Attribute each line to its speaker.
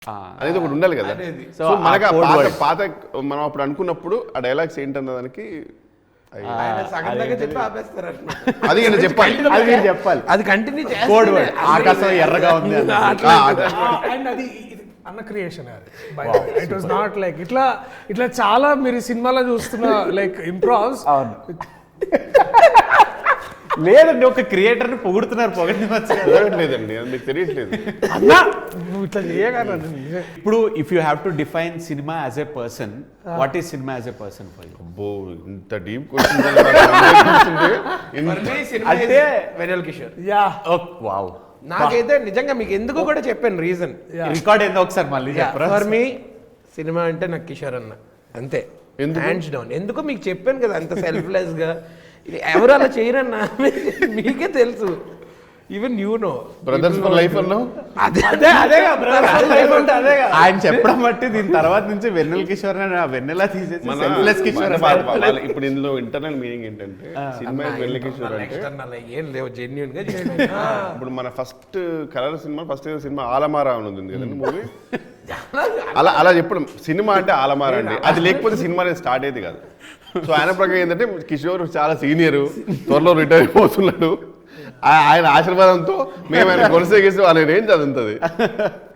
Speaker 1: అనేది ఒకటి ఉండాలి కదా. సో మనకి పాత మనం అప్పుడు అనుకున్నప్పుడు ఆ డైలాగ్స్ ఏంటన్నదానికి అది చెప్పాలి,
Speaker 2: అది కంటిన్యూ
Speaker 3: ఆకాశం ఎర్రగా ఉంది
Speaker 4: అండ్ అది అన్న creation it was not like ఇట్లా ఇట్లా చాలా మీరు సినిమాలో చూస్తున్న లైక్ ఇంప్రోవ్స్.
Speaker 3: లేదండి, ఒక క్రియేటర్ ని పొగుడుతున్నారు,
Speaker 1: పొగడలేదండి, అది మీకు తెలియట్లేదు.
Speaker 4: అన్నా నువ్వు ఇట్లా చేయగలరా?
Speaker 3: ఇప్పుడు if you have to define cinema as a person, what is cinema as a person for you?
Speaker 1: అబ్బో ఇంత డీప్ క్వశ్చన్
Speaker 2: అంటే వెన్నెల కిషోర్.
Speaker 4: Yeah
Speaker 3: wow.
Speaker 2: నాకైతే నిజంగా మీకు ఎందుకు కూడా చెప్పాను రీజన్.
Speaker 3: రికార్డ్ ఏందో ఒకసారి మళ్ళీ చెప్పరా?
Speaker 2: ఫర్ మీ సినిమా అంటే నాకు కిషోర్ అన్న అంతే, హ్యాండ్స్ డౌన్. ఎందుకు మీకు చెప్పాను కదా అంత సెల్ఫ్లెస్ గా. ఎవరు అలా చేయరన్నా మీకే తెలుసు. Even you know
Speaker 1: brothers for life అన్నావు.
Speaker 3: ఆయన చెప్పడం బట్టి దీని తర్వాత నుంచి వెన్నెల కిషోర్ వెన్నెల తీసేసి సెల్ఫ్లెస్ కిషోర్.
Speaker 1: ఇప్పుడు ఇందులో ఇంటర్నల్ మీనింగ్ ఏంటంటే సినిమా వెన్నెల కిషోర్ అంటే
Speaker 2: ఏం లేవు జెన్యూన్ గా.
Speaker 1: ఇప్పుడు మన first colour cinema, first cinema Alam Ara అని ఉంది కదండి మూవీ. అలా చెప్పడం సినిమా అంటే ఆలమారా అండి, అది లేకపోతే సినిమా అనేది స్టార్ట్ అయ్యేది కాదు. సో ఆయన ప్రకారం ఏంటంటే కిషోర్ చాలా సీనియర్, త్వరలో రిటైర్ అయిపోతున్నాడు. ఆయన ఆశీర్వాదంతో మేము ఆయన కొనసాగిస్తూ ఆయన ఏం చదువుతుంది.